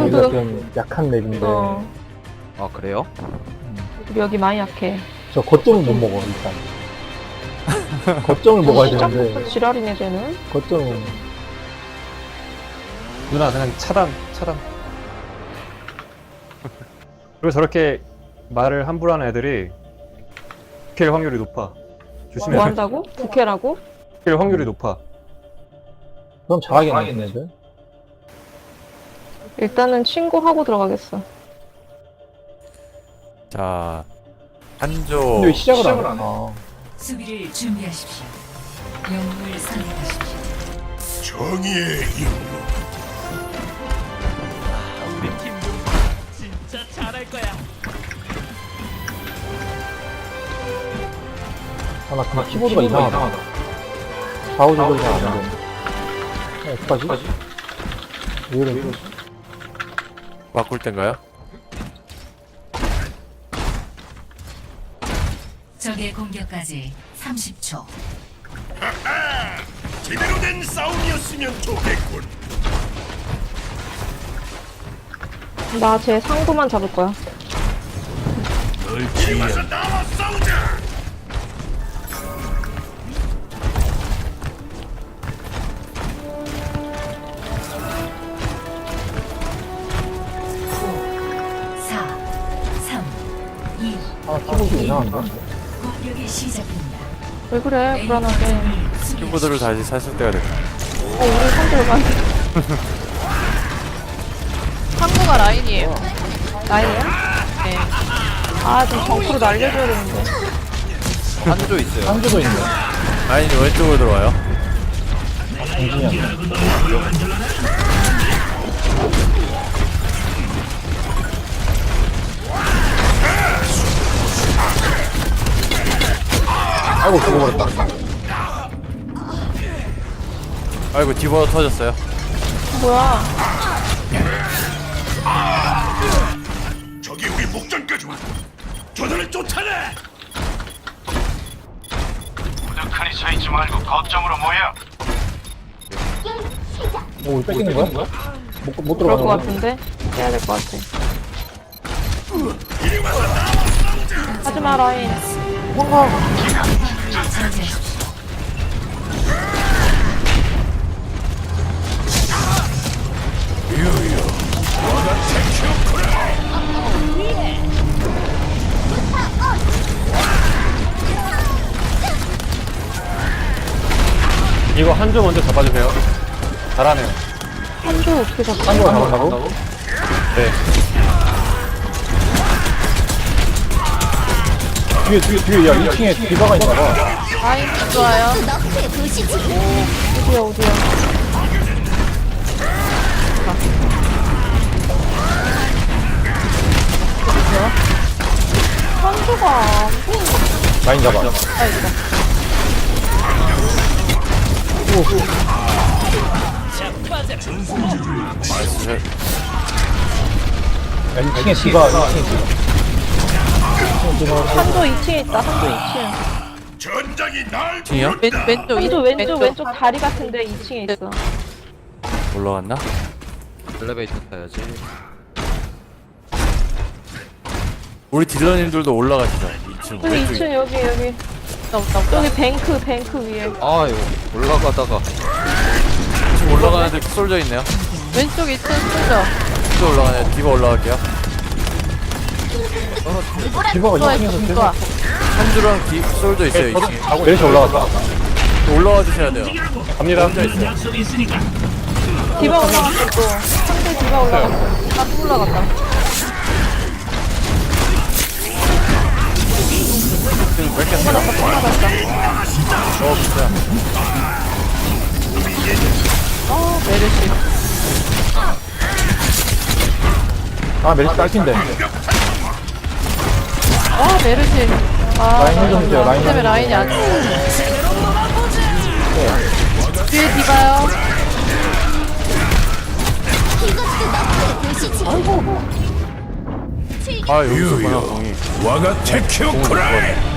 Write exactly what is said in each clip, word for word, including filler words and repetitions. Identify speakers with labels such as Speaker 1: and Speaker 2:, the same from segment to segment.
Speaker 1: 여기가 좀 약한 맵인데
Speaker 2: 어,
Speaker 3: 아 그래요?
Speaker 2: 우리 여기 많이 약해.
Speaker 1: 저 거점을 못 먹어 일단. 거점을 먹어야 되는데
Speaker 2: 시작부터 지랄이네 쟤는.
Speaker 1: 거점을 못 먹어.
Speaker 4: 누나 그냥 차단 차단. 그리고 저렇게 말을 함부로 하는 애들이 킬 확률이 높아. 조심해.
Speaker 2: 뭐 한다고? 부캐라고?
Speaker 4: 킬 확률이 높아.
Speaker 1: 그럼 잘하긴 하겠네 애들.
Speaker 2: 일단은 친구하고 들어가겠어.
Speaker 5: 자, 한조.
Speaker 1: 근데 왜 시작을 안 해? 아,
Speaker 6: 수비를 준비하십시오. 영웅을 선택하십시오.
Speaker 7: 정의의 힘으로
Speaker 8: 우리 팀도 진짜 잘할 거야.
Speaker 1: 아, 나 그냥 키보드가 이상하다. 좌우 조절이 잘 안 돼. 어, 어떡하지? 왜 이러지?
Speaker 5: 바꿀 땐가요?
Speaker 6: 적의 공격까지 삼십 초.
Speaker 7: 제대로 된 싸움이었으면 좋겠군.
Speaker 2: 나 쟤 상부만 잡을 거야.
Speaker 7: 널 지휘하여 나와 싸우자.
Speaker 6: 사, 삼, 이.
Speaker 1: 아, 키보드 이상한데?
Speaker 6: 공격이 시작됩니다.
Speaker 2: 왜 그래 불안하게.
Speaker 5: 키보드를 다시 샀을 때가 됐다.
Speaker 2: 어 우리 상대로만.
Speaker 9: 상부가 라인이에요.
Speaker 2: 나이야?
Speaker 9: 네.
Speaker 2: 아좀 정크로 날려줘야 되는데.
Speaker 3: 한조 있어요.
Speaker 1: 한주도 있네.
Speaker 5: 라인이 왼쪽으로 들어와요.
Speaker 1: 아, 정신이 안 나. 아이고, 죽어버렸다.
Speaker 5: 아이고, 디버가 터졌어요.
Speaker 2: 뭐야?
Speaker 7: 적이 우리 목전까지 왔다. 저들을 쫓아내. 무덕하니 서 있지 말고 거점으로 모여.
Speaker 1: 오, 이거 뺏기는 거야? 못, 못
Speaker 2: 그럴
Speaker 1: 들어가는
Speaker 2: 것
Speaker 1: 거야?
Speaker 2: 같은데? 해야 될 것 같아. 하지마 라인.
Speaker 6: 저지하십시오.
Speaker 4: 이거 한조 먼저 잡아주세요. 잘하네요.
Speaker 2: 한조 어떻게 잡지?
Speaker 1: 한주가 나간다고?
Speaker 4: 네.
Speaker 1: 뒤에, 뒤에, 뒤에, 야, 이 층에 디바가 있나봐.
Speaker 9: 라인 좋아요.
Speaker 2: 어디야 어디야? 한조가 안 보이네.
Speaker 1: 라인 잡아.
Speaker 5: 나이스.
Speaker 1: 야, 이 층에 디바, 이 층에 디바.
Speaker 2: 한조 이 층에 있다. 한조 이 층.
Speaker 7: 전장이 날
Speaker 5: 층이요?
Speaker 9: 왼,
Speaker 7: 부른다.
Speaker 9: 왼쪽,
Speaker 2: 한조
Speaker 9: 왼-
Speaker 2: 왼쪽 왼쪽 다리 같은데 이 층에 있어.
Speaker 5: 올라갔나?
Speaker 3: 엘리베이터 타야지.
Speaker 5: 우리 딜러님들도 올라가시죠. 이 층
Speaker 2: 여기 이
Speaker 5: 왼쪽에.
Speaker 2: 층 여기 여기 여기 뱅크 뱅크 위에.
Speaker 3: 아 이거 올라가다가
Speaker 5: 이 층 올라가는데 솔져 있네요.
Speaker 9: 왼쪽 이 층 쓰죠.
Speaker 5: 또 올라가네요. 디버 올라갈게요.
Speaker 1: 디바가
Speaker 9: 좋아,
Speaker 1: 이 층에서
Speaker 9: 좋아.
Speaker 1: 계속
Speaker 5: 한주랑 디 솔져 있어요. 이 층에.
Speaker 1: 내려서 올라갔다.
Speaker 5: 또 올라와 주셔야 돼요.
Speaker 4: 갑니다.
Speaker 5: 혼자 있어요.
Speaker 2: 디바 올라갔어 또. 상대 디바 올라갔어.
Speaker 9: 나도 올라갔다.
Speaker 5: 지금 뺏겼어요. 어, 진짜.
Speaker 9: 어, 메르시.
Speaker 1: 아, 메리스 딸핀데.
Speaker 9: 아, 메르시. 아,
Speaker 1: 라인 힐좀 주세요, 라인
Speaker 9: 때문에
Speaker 1: 힐.
Speaker 9: 라인이 안 좋아. 뒤에 디바요.
Speaker 5: 아, 여기 있었구나, 공이.
Speaker 7: 와가 테키오쿠라.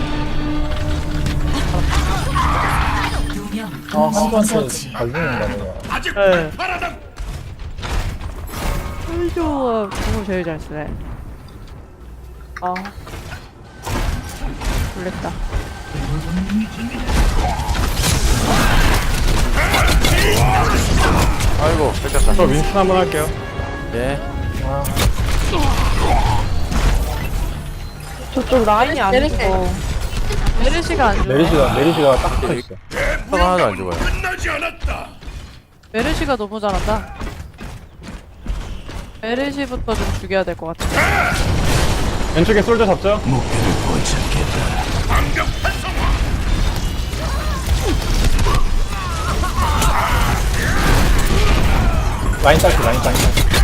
Speaker 6: 두명
Speaker 1: 아, 한주한테
Speaker 6: 처치.
Speaker 1: 잘 죽는다, 내가.
Speaker 7: 아직
Speaker 4: 네.
Speaker 7: 바라다.
Speaker 9: 솔조가 공을 제일 잘 쓰네. 아. 놀랬다.
Speaker 5: 아이고 뺏겼다.
Speaker 4: 저 윈스 한번 할게요.
Speaker 5: 네.
Speaker 2: 저쪽 라인이 안
Speaker 9: 메르시.
Speaker 2: 죽어.
Speaker 9: 메르시가 안 좋아.
Speaker 1: 메리시가, 메리시가 딱 붙어있어.
Speaker 5: 턱 하나도 안 죽어요.
Speaker 7: 끝나지 않았다.
Speaker 9: 메르시가 너무 잘한다. 메르시부터 좀 죽여야 될 것 같아.
Speaker 4: 왼쪽에 솔저 잡죠?
Speaker 7: 방벽 활성화.
Speaker 1: 라인 딸기, 라인 딸기.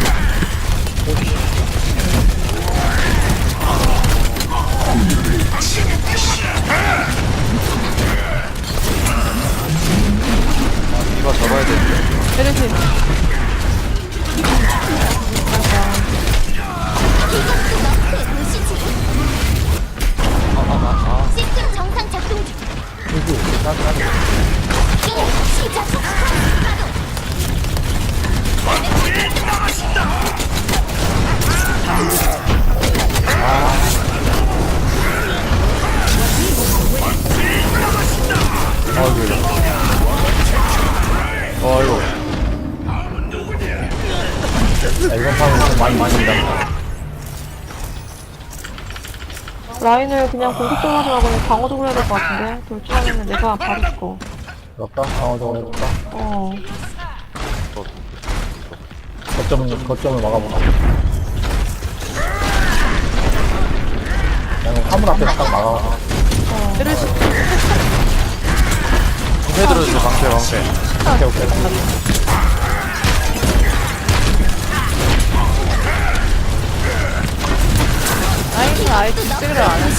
Speaker 3: 이거 잡아야 되는데.
Speaker 9: 메르시.
Speaker 6: 시스템 정상 작동 중. 시작.
Speaker 5: 어이구.
Speaker 1: 야, 이번 판은 좀 많이 많이 이다.
Speaker 2: 라인을 그냥 공격적으로 하지 말고 그냥 방어적으로 해야 될 것 같은데. 돌진하면 내가 바로 죽어.
Speaker 1: 그럴까? 방어적으로 해볼까?
Speaker 2: 어.
Speaker 1: 거점, 거점을 막아보나? 그냥 화물 앞에서 딱 막아.
Speaker 9: 메르시.
Speaker 5: 방패 들어주세요. 방패 방패.
Speaker 1: 오케이, 오케이.
Speaker 9: 아이는 아예 직색을 안 해.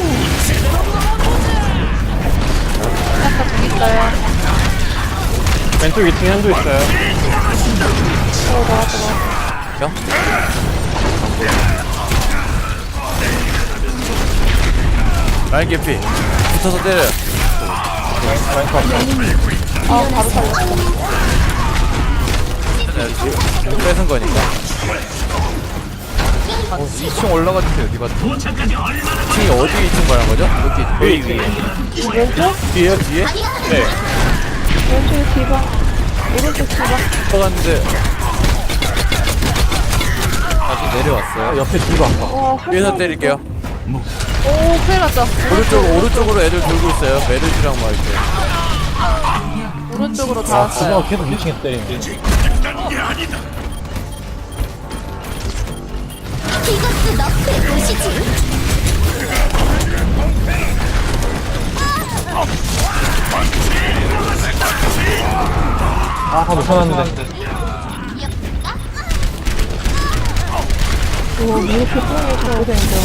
Speaker 9: 약간 저기 있어요.
Speaker 4: 왼쪽 이 층에 한조 있어요.
Speaker 5: 라인 개피. 붙어서 때려요.
Speaker 1: 라인 컷.
Speaker 2: 아, 바로 살렸어.
Speaker 5: 네, 지금 뺏은 거니까.
Speaker 3: 이 층 올라가주세요. 어디 갔다.
Speaker 5: 이 층이 어디 이 층 말한 거죠? 여기
Speaker 4: 위에 위에.
Speaker 2: 왼쪽?
Speaker 5: 뒤에요 뒤에?
Speaker 4: 네.
Speaker 2: 왼쪽에 디바. 오른쪽 디바.
Speaker 5: 들어갔는데
Speaker 3: 다시 내려왔어요.
Speaker 1: 옆에 뒤가 아파.
Speaker 2: 어, 할
Speaker 5: 위에서
Speaker 2: 수
Speaker 5: 때릴게요.
Speaker 9: 오, 큰일 났다.
Speaker 5: 오른쪽 오른쪽으로 애들 돌고 있어요. 메르시랑 막 이렇게.
Speaker 9: 오른쪽으로 다
Speaker 1: 아,
Speaker 9: 왔어요.
Speaker 1: 디바가 계속 이 층에 때리는데.
Speaker 6: 이것도 너프의 도시지.
Speaker 1: 아, 다 못해놨는데.
Speaker 2: 오, 이렇게 뽕이 저거 되죠.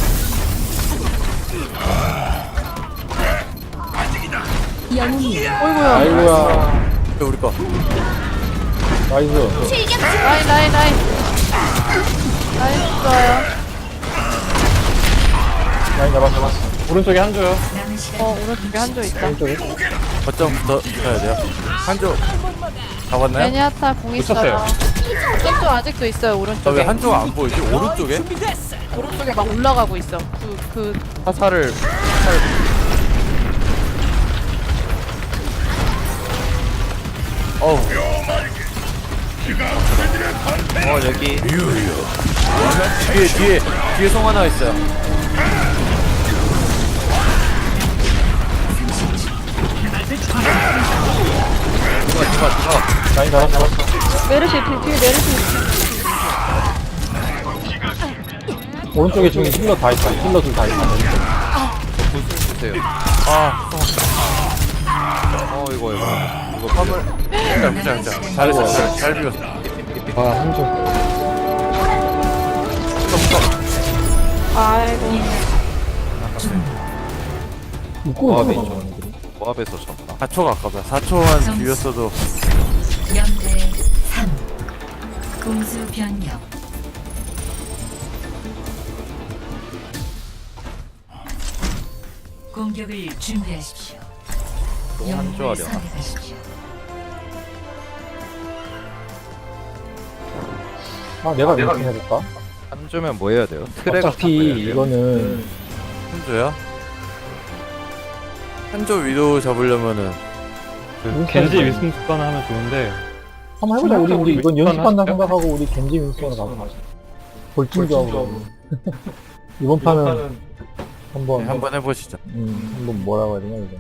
Speaker 9: 어이구야.
Speaker 1: 아이고야.
Speaker 5: 우리 거.
Speaker 1: 나이스.
Speaker 9: 라인, 라인, 라인. 라인 좋아요.
Speaker 1: 라인 잡았어, 잡았어.
Speaker 4: 오른쪽에 한조요.
Speaker 6: 남은 시간
Speaker 9: 어, 오른쪽에 한조 있다.
Speaker 1: 왼쪽에.
Speaker 5: 거점 붙어 붙어야 돼요. 한쪽 잡았나요?
Speaker 9: 베니아타 공 있어요. 한조 아직도 있어요,
Speaker 5: 아, 왜
Speaker 9: 오른쪽에.
Speaker 5: 한쪽 안 보이지? 오른쪽에?
Speaker 8: 준비됐어.
Speaker 9: 오른쪽에 막 올라가고 있어. 그, 그,
Speaker 5: 화살을 어우
Speaker 3: 어 여기
Speaker 5: 뒤에 뒤에 뒤에 송 하나 있어요.
Speaker 3: 누가 누가 누가.
Speaker 1: 라인 잡았어, 잡았어.
Speaker 2: 메르시, 뒤- 뒤에 메르시.
Speaker 1: 오른쪽에 지금 힐러 다 있다. 힐러들 다 있다.
Speaker 3: 구슬 주세요.
Speaker 5: 아 송.
Speaker 3: 어 이거 이거.
Speaker 5: 이거 화물. 진짜 진짜 진짜 잘했어 잘, 잘 비웠어.
Speaker 1: 아, 한쪽.
Speaker 2: 아이고.
Speaker 1: 묶고
Speaker 3: 조합에
Speaker 1: 있어.
Speaker 3: 좀 조합에서 졌다.
Speaker 5: 사 초가 아깝다. 사 초만 비웠어도
Speaker 6: 연대 삼. 공수 변경. 공격을 준비하십시오.
Speaker 3: 또 한조
Speaker 6: 영웅을
Speaker 3: 하려나?
Speaker 6: 선택하십시오.
Speaker 1: 아 내가 윈스턴 해볼까?
Speaker 3: 한조면 뭐 해야 돼요? 트랙
Speaker 1: 어차피 이거는
Speaker 5: 한조야? 한조 위도 잡으려면은
Speaker 4: 그 겐지 윈스턴 습관 하면 좋은데
Speaker 1: 한번 해보자. 우리 우리 이건
Speaker 4: 윈스턴
Speaker 1: 연습한다
Speaker 4: 하시죠?
Speaker 1: 생각하고 우리 겐지 윈스턴을 가자. 볼진도 하고. 이번 판은 한번
Speaker 5: 네, 한번 해보시죠.
Speaker 1: 음 한번 뭐라고 해야 되냐 이거.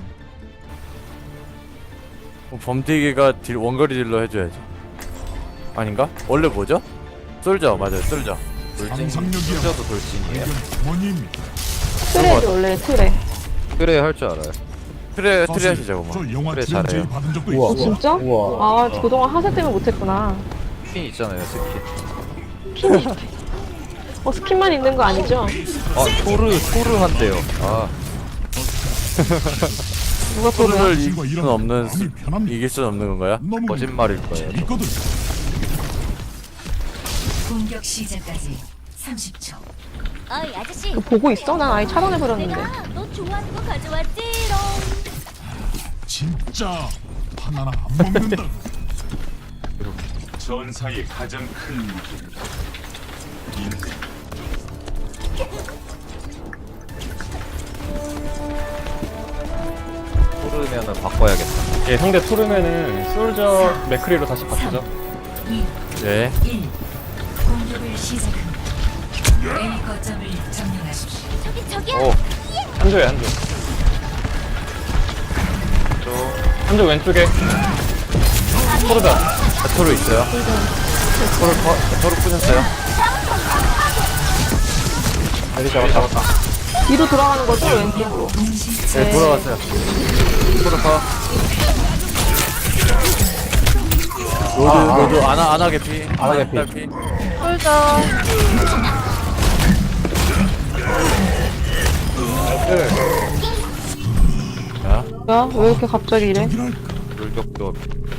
Speaker 5: 뭐 범디기가 딜, 원거리 딜러 해줘야지. 아닌가? 원래 뭐죠? 솔저 맞아요 솔저.
Speaker 3: 돌진.
Speaker 7: 상상력이야.
Speaker 3: 솔저도 돌진이에요.
Speaker 7: 원입니다.
Speaker 2: 트레지 원래 트레.
Speaker 3: 그래 할 줄 알아요.
Speaker 5: 트레 트레 하시죠 그럼.
Speaker 7: 저 영화
Speaker 3: 그래,
Speaker 7: 트렌드
Speaker 3: 잘해요.
Speaker 7: 받은 적도
Speaker 1: 우와.
Speaker 2: 어 진짜?
Speaker 1: 우와.
Speaker 2: 아 그동안 하세 때문에 못했구나.
Speaker 3: 스킨 있잖아요 스킨.
Speaker 2: 스킨이 어 스킨만 있는 거 아니죠?
Speaker 3: 아 토르 토르 한대요. 아
Speaker 2: 누가 보면
Speaker 5: 토르를
Speaker 7: 있-
Speaker 5: 이길 수는 없는
Speaker 7: 마음이 편합니다.
Speaker 5: 이길 수는 없는 건가요?
Speaker 7: 너무
Speaker 3: 거짓말일 거예요.
Speaker 7: 재밌거든.
Speaker 6: 공격 시작까지 삼십 초. 어이 아저씨.
Speaker 2: 이거 보고 있어? 난 아예 차단해버렸는데.
Speaker 6: 내가 너 좋아하는 거 가져왔지롱.
Speaker 7: 진짜 바나나 안 먹는다.
Speaker 10: 전사의 가장 큰 무기는 인생.
Speaker 3: 토르면은 바꿔야겠다.
Speaker 4: 예, 상대 토르면은 솔저 맥크리로 다시 바꾸죠.
Speaker 6: 이,
Speaker 5: 네.
Speaker 6: 일. 공격을 시작합니다. A 거점을 점령하십시오. 저기 저기요.
Speaker 3: 오
Speaker 4: 한조에 한조. 한조 왼쪽에 토르다.
Speaker 5: 아, 토르 있어요. 토르 터, 토르 부셨어요.
Speaker 1: 여기 잡았다. 잡았다.
Speaker 2: 뒤로 돌아가는 거죠 왼쪽으로.
Speaker 5: 네 돌아왔어요. 토르 커. 로드
Speaker 1: 아, 아.
Speaker 5: 로드 아나 아나 개피.
Speaker 1: 아나 개피.
Speaker 5: 개피.
Speaker 9: 솔저.
Speaker 5: 자,
Speaker 2: 야, 왜 이렇게 갑자기 이래?
Speaker 3: 돌격도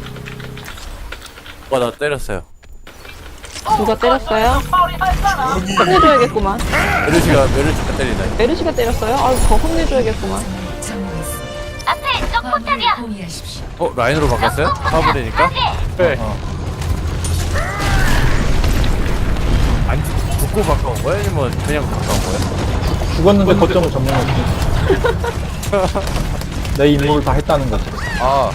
Speaker 5: 오빠 나 때렸어요.
Speaker 2: 누가 때렸어요? 혼내줘야겠구만.
Speaker 5: 메르시가 메르시가 때리다.
Speaker 2: 메르시가 때렸어요? 아유, 더 혼내줘야겠구만.
Speaker 6: 점령했습니다. 앞에 적 포탑이야. 포기하십시오.
Speaker 5: 어 라인으로 바꿨어요? 화물이니까?
Speaker 4: 네.
Speaker 5: 안 붙고 바꿔온 거야? 아니면 그냥 바꿔온 거야?
Speaker 1: 죽었는데 거점을 점령했지. 내 임무를 다 했다는 거지.
Speaker 3: 아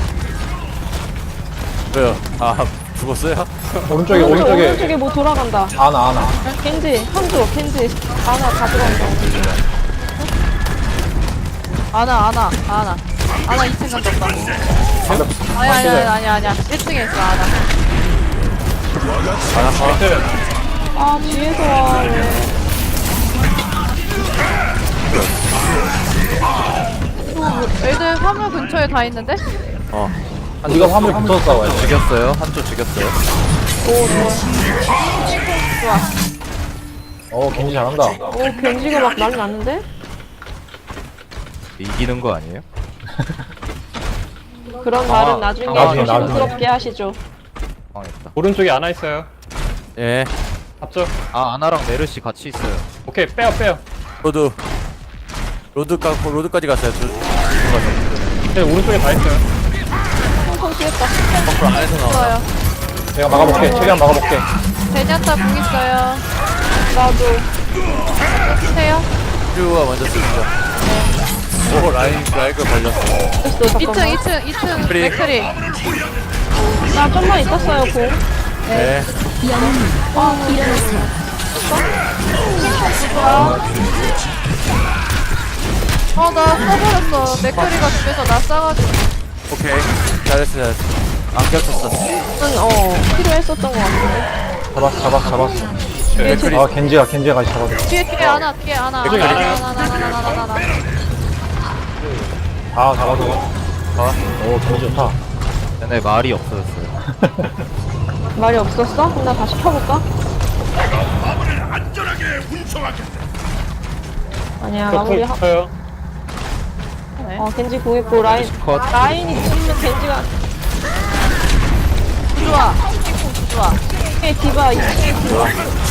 Speaker 5: 왜요? 아 죽었어요?
Speaker 1: 오른쪽에
Speaker 2: 오른쪽,
Speaker 1: 오른쪽에
Speaker 2: 오른쪽에 뭐 돌아간다.
Speaker 1: 아나 아나.
Speaker 2: 켄지, 한조, 켄지, 아나 다 들어간다.
Speaker 9: 아나 아나 아나. 아나 이 층 간다 오빠. 아니 아니 아니 아니 아니야. 일 층에 있어 아나.
Speaker 2: 아, 뒤에서 와.
Speaker 9: 애들 화물 근처에 다 있는데?
Speaker 5: 어.
Speaker 1: 네가 화물 붙어서 싸워야 돼.
Speaker 3: 죽였어요. 한조 죽였어요.
Speaker 9: 좋아.
Speaker 1: 어 겐지 잘한다.
Speaker 2: 오, 겐지가 막 난리 났는데?
Speaker 3: 이기는 거 아니에요?
Speaker 2: 그런 말은 나중에
Speaker 1: 나중에,
Speaker 2: 조심스럽게 하시죠.
Speaker 3: 망했다.
Speaker 4: 오른쪽에 아나 있어요.
Speaker 5: 예.
Speaker 4: 앞쪽.
Speaker 3: 아 아나랑 메르시 같이 있어요.
Speaker 4: 오케이, 빼요, 빼요.
Speaker 5: 로드 로드까 로드까지 갔어요. 저
Speaker 4: 네, 오른쪽에 다 있어요.
Speaker 2: 손 피했다.
Speaker 5: 버프 안에서 나와.
Speaker 9: 좋아요.
Speaker 1: 내가 막아볼게. 최대한 막아볼게.
Speaker 9: 제냐타 공 있어요.
Speaker 2: 나도.
Speaker 9: 해요.
Speaker 5: 큐가 먼저 쓰죠. 오 라인 라이크 걸렸어.
Speaker 2: 됐어,
Speaker 9: 이 층
Speaker 2: 잠깐만.
Speaker 9: 이 층 이 층
Speaker 5: 프리.
Speaker 9: 맥크리.
Speaker 2: 나 좀만 이따 써요, 공.
Speaker 5: 네.
Speaker 2: 아, 일어났어요.
Speaker 9: 어나 써버렸어. 맥크리가 집에서 나 싸가지고.
Speaker 5: 오케이. 잘했어 잘했어. 안 겹쳤어.
Speaker 2: 저는, 어, 필요했었던 것 같은데.
Speaker 1: 잡았어 잡았어 잡았어.
Speaker 2: 뒤에 저,
Speaker 1: 아 겐지가 겐지가 같이 잡았어.
Speaker 9: 뒤에 뒤에 아나 뒤에 아나 아나
Speaker 5: 맥크리.
Speaker 9: 아나 아나 아나 아나 아나 아나.
Speaker 1: 아 잡았어. 아, 오 겐지 좋다.
Speaker 3: 얘네 말이 없어졌어요.
Speaker 2: 말이 없었어? 그럼 나 다시 켜볼까?
Speaker 7: 마무리를 안전하게 운송하겠다.
Speaker 2: 아니야,
Speaker 4: 저
Speaker 2: 마무리
Speaker 4: 공
Speaker 2: 하,
Speaker 4: 있어요.
Speaker 2: 어, 겐지 공 있고, 라인,
Speaker 3: 컷.
Speaker 2: 라인이 치면 겐지가,
Speaker 9: 좋아. 좋아.
Speaker 2: 에 디바, 이층에 디바.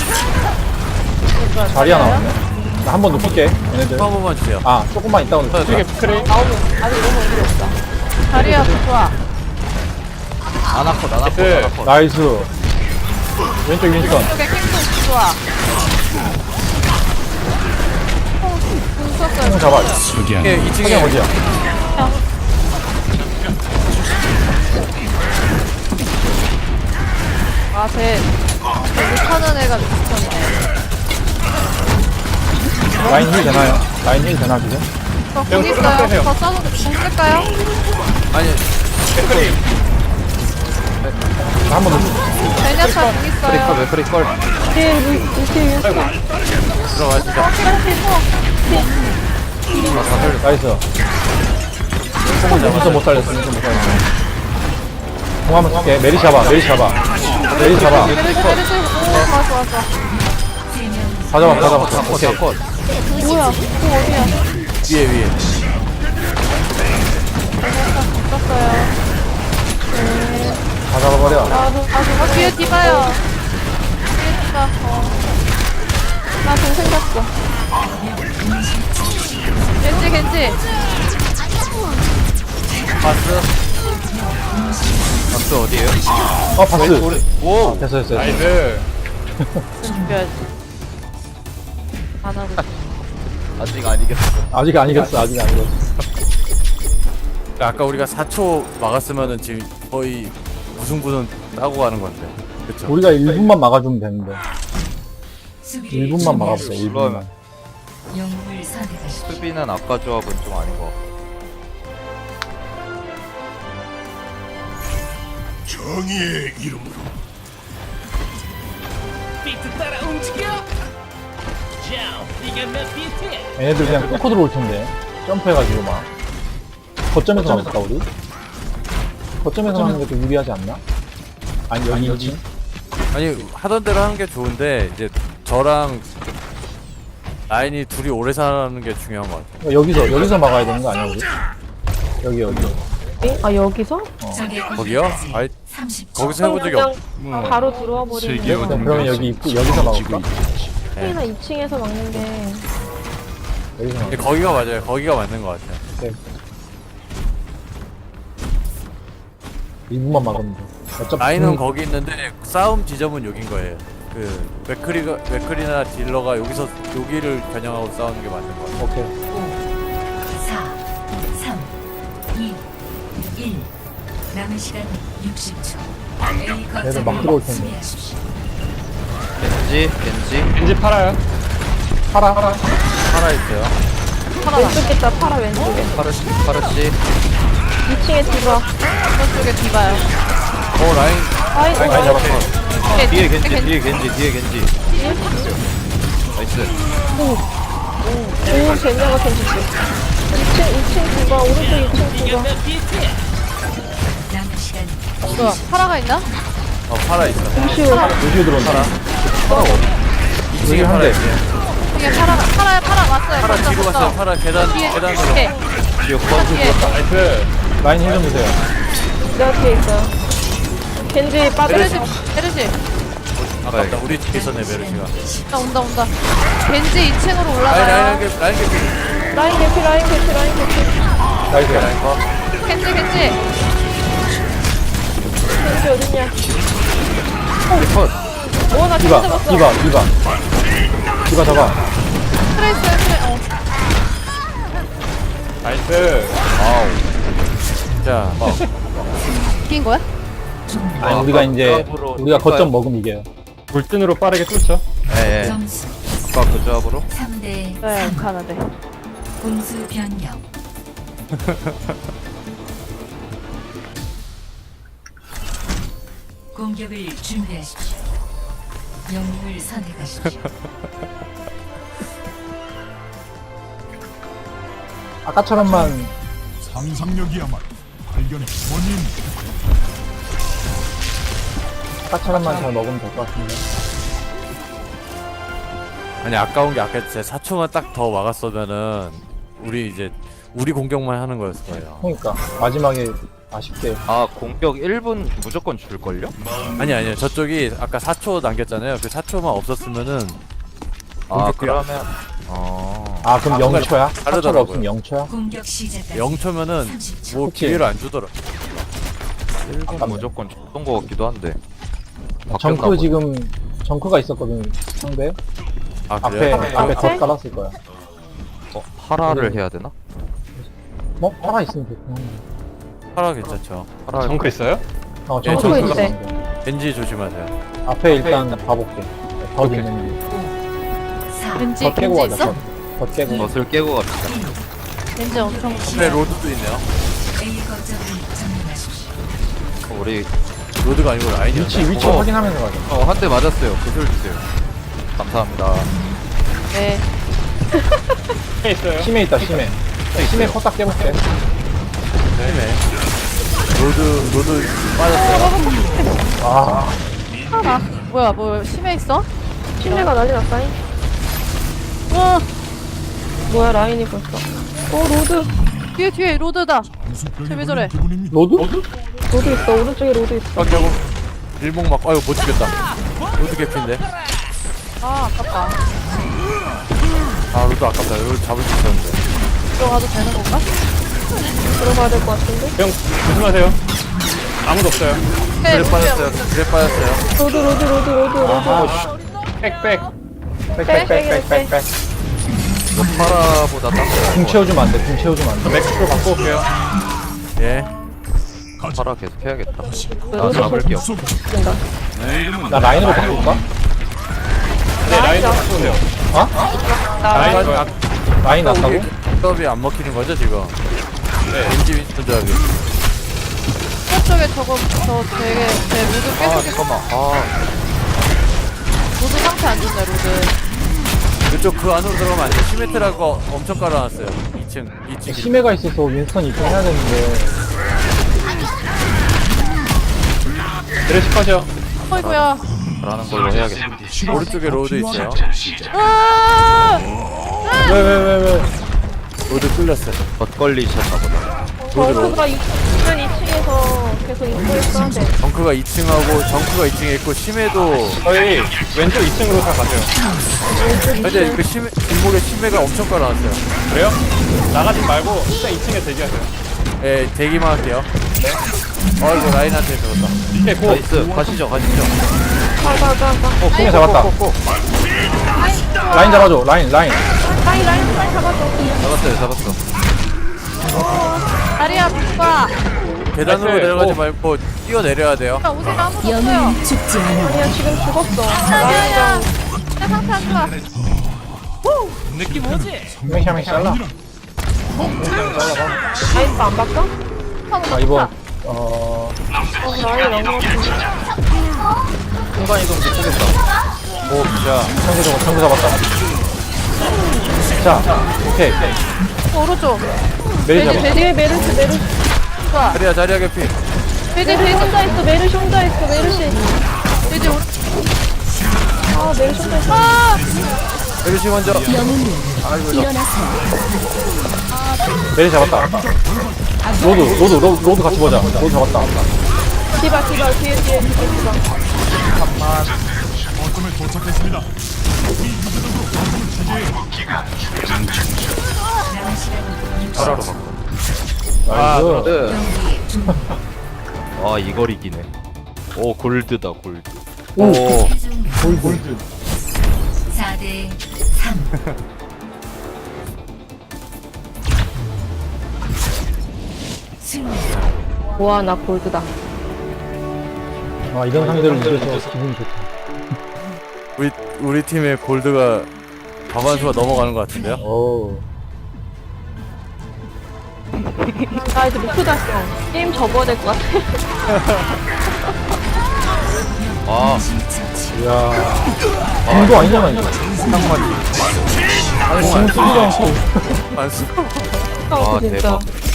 Speaker 1: 자리야 나왔네. 나 한 번 높일게. 얘네들.
Speaker 5: 한 번만 주세요.
Speaker 1: 아 조금만 이따가 높일게.
Speaker 4: 이쪽에 맥크리.
Speaker 2: 나오면, 아직 이러면 의미 없다.
Speaker 9: 다리야 좋아.
Speaker 3: 아나컷 아나컷
Speaker 4: 네.
Speaker 3: 아나컷.
Speaker 1: 나이스. 왼쪽 윈스턴.
Speaker 9: 이쪽에 킹콩 좋아. 공 썼어요.
Speaker 1: 형 잡아.
Speaker 5: 이게 이 층에
Speaker 1: 그냥 어디야?
Speaker 9: 아, 쟤 못하는 애가 미스턴이네.
Speaker 1: 라인 힐 되나요? 라인 힐 되나 지금?
Speaker 9: 저공 있어요. 더 써도 공 쓸까요?
Speaker 5: 아니
Speaker 1: 한번 더.
Speaker 9: 베냐타 공
Speaker 3: 크리컬
Speaker 9: 있어요.
Speaker 3: 왜 크리컬?
Speaker 2: 뒤에 루, 루시 윈스턴.
Speaker 5: 들어가 진짜.
Speaker 1: 나이스. 윈스턴 못 살렸어. 윈스턴 못 살렸어. 공 한번 쓸게. 메리 잡아. 메리 잡아. 메리 잡아.
Speaker 9: 메르시, 메르시. 오, 좋았어, 좋았어.
Speaker 1: 다 잡아. 다 잡았어. 오케이.
Speaker 3: 컷.
Speaker 2: 뭐야? 공 어디야?
Speaker 5: 위에 위에.
Speaker 9: 썼어요.
Speaker 1: 다 잡아버려.
Speaker 2: 나도, 나도.
Speaker 9: 어, 뒤에 디바요. 뒤에 디바. 어.
Speaker 2: 나공 생겼어.
Speaker 9: 겐지, 겐지.
Speaker 5: 바스.
Speaker 3: 박스 어디에요?
Speaker 1: 어, 바스.
Speaker 5: 오.
Speaker 1: 아, 됐어, 됐어, 됐어.
Speaker 5: 나이스.
Speaker 9: 죽여야지. 안 하고.
Speaker 3: 아직 아니겠어.
Speaker 1: 아직 아니겠어. 아직 아니겠어.
Speaker 5: 아까 우리가 사 초 막았으면은 지금 거의 무승부는 따고 가는 건데. 그쵸?
Speaker 1: 우리가 일 분만 막아주면 되는데.
Speaker 6: 수비를
Speaker 1: 일 분만 막아보자. 일 분만.
Speaker 3: 그러면
Speaker 6: 영웅을 선택하십시오.
Speaker 3: 수비는 아까 조합은 좀 아닌 것 같고.
Speaker 7: 정의의 이름으로
Speaker 8: 비트 따라 움직여. 자, 이게 몇 비트?
Speaker 1: 얘네들 그냥 뚫고 들어올 텐데. 점프해가지고 막. 거점에서 막을까, 우리? 거점에서 하는 게 더 유리하지 않나? 아니, 여기 여기.
Speaker 5: 아니 하던 대로 하는 게 좋은데 이제 저랑 라인이 둘이 오래 사는 게 중요한 것 같아.
Speaker 1: 여기서, 여기서 막아야 되는 거 아니야, 우리? 여기, 여기.
Speaker 2: 아, 여기서?
Speaker 6: 적의
Speaker 5: 거기요?
Speaker 6: 공격까지
Speaker 5: 아이
Speaker 6: 삼십 초.
Speaker 5: 거기서 해본 적이 없.
Speaker 2: 그냥 바로 들어와 버리는 게.
Speaker 1: 그럼, 그러면 여기 입구, 여기서 막을까?
Speaker 2: 특히나 이 층에서 막는 게.
Speaker 1: 여기서
Speaker 5: 근데
Speaker 1: 막을까?
Speaker 5: 거기가 맞아요. 거기가 맞는 것 같아.
Speaker 1: 일 분만 막으면 돼. 어차피
Speaker 5: 라인은
Speaker 1: 공-
Speaker 5: 거기 있는데 싸움 지점은 여긴 거예요. 그 맥크리가 맥크리나 딜러가 여기서 여기를 겨냥하고 싸우는 게 맞는 것 같아.
Speaker 1: 오케이.
Speaker 6: 사, 삼, 이, 일. 남은 시간 육십 초. A
Speaker 1: 얘들 막
Speaker 6: 거점을
Speaker 1: 들어올 텐데.
Speaker 6: 수비하십시오.
Speaker 3: 겐지, 겐지.
Speaker 4: 겐지 팔아요.
Speaker 1: 팔아, 팔아.
Speaker 5: 하나 있어요.
Speaker 2: 왼쪽 있다, 파라 왼쪽에.
Speaker 3: 파르시, 파르시.
Speaker 2: 이 층에 디바.
Speaker 9: 저쪽에 디바요.
Speaker 5: 어 라인
Speaker 2: 아이,
Speaker 1: 많이
Speaker 2: 어,
Speaker 1: 잡았어.
Speaker 9: 뒤에,
Speaker 3: 뒤에 겐지,
Speaker 9: 겐지.
Speaker 3: 뒤에 겐지, 뒤에 겐지. 나이스.
Speaker 2: 오, 젠냐가 괜찮지. 이 층, 이 층 디바, 오른쪽 이 층
Speaker 8: 이게
Speaker 2: 디바.
Speaker 8: 몇 비트?
Speaker 6: 남은 시간
Speaker 9: 뭐야, 파라가 있나?
Speaker 5: 어 팔아 있어.
Speaker 2: 루시오.
Speaker 1: 루시오 들어온다.
Speaker 5: 이 층에
Speaker 1: 여기 한
Speaker 5: 팔아
Speaker 1: 대.
Speaker 5: 있어요.
Speaker 9: 이게 파라가, 파라, 파라 왔어요.
Speaker 5: 팔아
Speaker 9: 먼저,
Speaker 5: 뒤로
Speaker 9: 먼저.
Speaker 5: 갔어요. 팔아 계단
Speaker 9: 뒤에,
Speaker 5: 계단으로.
Speaker 9: 뒤에.
Speaker 3: 뒤에
Speaker 9: 파라 뒤에.
Speaker 4: 나이스.
Speaker 1: 라인 힐 좀 주세요.
Speaker 2: 내가 뒤에 있어요. 겐지 빠져.
Speaker 9: 메르시, 메르시.
Speaker 5: 아깝다. 우리 뒤에 있었네 메르시가.
Speaker 9: 온다, 온다, 온다. 겐지 이 층으로
Speaker 5: 라인
Speaker 9: 올라가요.
Speaker 5: 라인 라인 라인 개피.
Speaker 2: 라인 개피, 라인 개피, 라인 개피.
Speaker 1: 나이스.
Speaker 5: 라인 거.
Speaker 9: 겐지, 겐지.
Speaker 2: 겐지 어딨냐?
Speaker 3: 컷.
Speaker 2: 오, 나
Speaker 1: 디바,
Speaker 2: 겐지 잡았어.
Speaker 1: 디바, 디바. 디바 잡아.
Speaker 9: 트레이스, 트레이스. 어.
Speaker 4: 나이스.
Speaker 5: 아우. 자.
Speaker 9: 이긴 거야?
Speaker 1: 아니, 우리가 이제,
Speaker 3: 조합으로
Speaker 1: 우리가 거점
Speaker 3: 뛸까요?
Speaker 1: 먹으면 이겨요.
Speaker 4: 불뜬으로 빠르게 뚫죠.
Speaker 3: 예, 예.
Speaker 6: 점수
Speaker 3: 아까 그 조합으로.
Speaker 6: 삼 대
Speaker 9: 네,
Speaker 6: 삼.
Speaker 9: 가나대.
Speaker 6: 공수 변경. 공격을 준비하십시오. 영웅을 선택하십시오.
Speaker 1: 아까처럼만
Speaker 7: 상상력이야말로 발견의 원인.
Speaker 1: 아까처럼만 잘 먹으면 될 것 같은데.
Speaker 5: 아니 아까운 게 아까 진짜 사 초만 딱 더 막았으면은 우리 이제 우리 공격만 하는 거였을 거예요.
Speaker 1: 그러니까 마지막에 아쉽게
Speaker 3: 아, 공격 일 분 무조건 줄걸요?
Speaker 5: 아니 아니요. 저쪽이 아까 사 초 남겼잖아요. 그 사 초만 없었으면은
Speaker 3: 아,
Speaker 5: 공격이
Speaker 3: 그러면. 어.
Speaker 1: 아 그럼 영 초야? 사 초가
Speaker 5: 다르더라고요.
Speaker 1: 없으면 영 초야?
Speaker 6: 공격 시작까지
Speaker 5: 영 초면은
Speaker 6: 삼십 초.
Speaker 5: 뭐
Speaker 1: 그치.
Speaker 5: 기회를 안 주더라.
Speaker 3: 일 분
Speaker 1: 아깝네.
Speaker 3: 무조건 줬던 것 같기도 한데. 바뀌었나
Speaker 1: 정크
Speaker 3: 보네.
Speaker 1: 지금 정크가 있었거든 상대.
Speaker 5: 아
Speaker 1: 앞에
Speaker 5: 그래요?
Speaker 1: 앞에 덧 깔았을 거야.
Speaker 3: 어, 파라를 해야 되나?
Speaker 1: 뭐 팔아 있으면 됐구나.
Speaker 5: 파라 괜찮죠.
Speaker 3: 파라
Speaker 4: 정크 있어요?
Speaker 1: 어
Speaker 5: 예,
Speaker 1: 정크
Speaker 2: 정크
Speaker 1: 있었어.
Speaker 2: 있대.
Speaker 5: 겐지 조심하세요.
Speaker 1: 앞에 일단 봐볼게. 덧
Speaker 4: 오케이.
Speaker 1: 있는지.
Speaker 9: 왠지
Speaker 1: 덧 깨고
Speaker 9: 겐지
Speaker 1: 가자.
Speaker 9: 있어?
Speaker 1: 덧, 덧 깨고.
Speaker 3: 덫을 깨고 갑시다.
Speaker 9: 왠지 엄청
Speaker 5: 앞에 로드도 있네요.
Speaker 3: 어, 우리
Speaker 5: 로드가 아니고 라인이었네.
Speaker 1: 위치 위치
Speaker 3: 어.
Speaker 1: 확인하면서 가자.
Speaker 3: 어, 한 대 맞았어요. 구슬 주세요. 감사합니다.
Speaker 9: 네.
Speaker 4: 네, 있어요.
Speaker 1: 심해 있다 심해. 심해 코딱 깨볼게.
Speaker 5: 힘에 로드 로드 빠졌어요.
Speaker 1: 아
Speaker 9: 하나. 뭐야 뭐 심해 있어?
Speaker 2: 신뢰가 난리 났다잉.
Speaker 9: 와
Speaker 2: 뭐야 라인이 벌써. 어 로드.
Speaker 9: 뒤에 뒤에 로드다. 쟤왜 저래?
Speaker 7: 기분입니다.
Speaker 1: 로드?
Speaker 2: 로드 있어. 오른쪽에 로드 있어.
Speaker 5: 아 결국 일목 맞고 아유 못 죽겠다. 로드 개피인데.
Speaker 9: 아 아깝다.
Speaker 5: 아 로드 아깝다. 이걸 잡을 수 있었는데.
Speaker 9: 들어가도 되는 건가?
Speaker 2: 들어가야 될 것 같은데.
Speaker 4: 형 조심하세요. 아무도 없어요.
Speaker 9: 네,
Speaker 5: 그래 빠졌어요. 그래 빠졌어요.
Speaker 2: 로드 로드 로드 로드 로드.
Speaker 1: 아
Speaker 4: 빽빽.
Speaker 1: 빽빽빽빽빽빽.
Speaker 3: 이거 파라보다 딴
Speaker 1: 궁
Speaker 3: 거.
Speaker 1: 채워주면 안 돼. 궁 채워주면 안 돼.
Speaker 4: 맥스로 바꿔 올게요.
Speaker 5: 예.
Speaker 3: 파라 계속 해야겠다. 나
Speaker 2: 로드
Speaker 3: 잡을게요.
Speaker 2: 된다.
Speaker 1: 나 라인으로 바꿀까?
Speaker 4: 네, 라인으로 바꾸세요.
Speaker 1: 어?
Speaker 4: 라인
Speaker 5: 아,
Speaker 4: 좋아.
Speaker 1: 라인 났다고?
Speaker 5: 수업이 안 먹히는 거죠 지금?
Speaker 4: 네.
Speaker 5: 겐지 윈스턴 조합이.
Speaker 9: 저쪽에 저거 저 되게 제 로드
Speaker 3: 아,
Speaker 9: 계속
Speaker 3: 잠깐만. 아,
Speaker 9: 로드 상태 안 좋네 로드.
Speaker 5: 그쪽 그 안으로 들어가면 안 돼. 시메트라고 엄청 깔아놨어요. 이 층, 이 층.
Speaker 1: 심해가 있어서 윈스턴 입장 해야 되는데.
Speaker 4: 드레시 커져.
Speaker 9: 어이구야.
Speaker 3: 잘하는 걸로 해야겠다.
Speaker 5: 오른쪽에 로드 있어요.
Speaker 9: 아!
Speaker 1: 왜 왜 왜 왜?
Speaker 5: 로드 끌렸어요.
Speaker 3: 덧 걸리셨나 보다.
Speaker 2: 정크가 이 층에서 계속 입고 있었는데.
Speaker 5: 정크가 이 층하고 정크가 이 층에 있고 심해도
Speaker 4: 저희 왼쪽 이 층으로 다 가세요.
Speaker 5: 근데 그 심해 뒷목에 심해가 엄청 깔아놨어요.
Speaker 4: 그래요? 나가지 말고 일단 이 층에 대기하세요.
Speaker 5: 예, 대기만 할게요. 네. 어이구 라인한테 들었다.
Speaker 4: 밑에 고.
Speaker 3: 나이스. 가시죠, 가시죠.
Speaker 2: 가가가가.
Speaker 1: 어 심해 잡았다. 라인 잡아줘. 라인 라인.
Speaker 2: 라인 라인 라인 잡아줘.
Speaker 3: 잡았어요, 잡았어.
Speaker 9: 다리야 붙봐.
Speaker 5: 계단으로
Speaker 4: 나이스.
Speaker 5: 내려가지
Speaker 4: 오.
Speaker 5: 말고 뛰어내려야 돼요.
Speaker 9: 옷에 아무도 없어요.
Speaker 2: 아니야 지금 죽었어.
Speaker 9: 아니야.
Speaker 2: 라인이랑
Speaker 9: 내 상태 안 좋아.
Speaker 8: 느낌 오지?
Speaker 1: 맹샤맹 잘라.
Speaker 2: 라인 안 바꿔?
Speaker 1: 아 이번 어
Speaker 2: 어 라인 너무
Speaker 3: 순간 이동 못 보겠다.
Speaker 1: 오, 자, 창구 잡아, 창구 잡았다. 자, 오케이.
Speaker 9: 어, 오른쪽.
Speaker 1: 메리 잡아.
Speaker 2: 뒤에 메르시 메르시.
Speaker 9: 좋아.
Speaker 5: 자리야 자리야 개피.
Speaker 9: 돼지
Speaker 2: 메르시
Speaker 9: 돼지
Speaker 2: 혼자 있어. 메르시 혼자 있어. 메르시.
Speaker 9: 돼지 오른.
Speaker 2: 아 메르시 혼자 있어.
Speaker 9: 아!
Speaker 5: 메르시 먼저. 아이고 이거.
Speaker 1: 메리 잡았다. 로드, 로드, 로드, 로드 같이 보자. 로드 잡았다.
Speaker 2: 디바 디바 뒤에 뒤에 뒤에 디바.
Speaker 7: 거점에 도착했습니다.
Speaker 3: 파라로 바꿔.
Speaker 5: 아,
Speaker 1: 나이스.
Speaker 3: 네. 아, 이걸 이기네. 오, 골드다, 골드.
Speaker 1: 오,
Speaker 3: 오,
Speaker 1: 골드.
Speaker 6: 사 대 삼. 승리.
Speaker 2: 우와 나 골드다.
Speaker 1: 아, 이런 상대를 이겨서 기분이 좋다.
Speaker 5: 우리 우리 팀의 골드가 과반수가 넘어가는 것 같은데요?
Speaker 1: 오.
Speaker 2: 나 이제 목표 달성. 게임 접어야 될 것 같아.
Speaker 3: 아,
Speaker 1: 이야. 공도 아니잖아, 이거. 아니, 공 쓰지도 않고.
Speaker 5: 반수.
Speaker 2: 아
Speaker 3: 아,
Speaker 2: 진짜.
Speaker 3: 대박.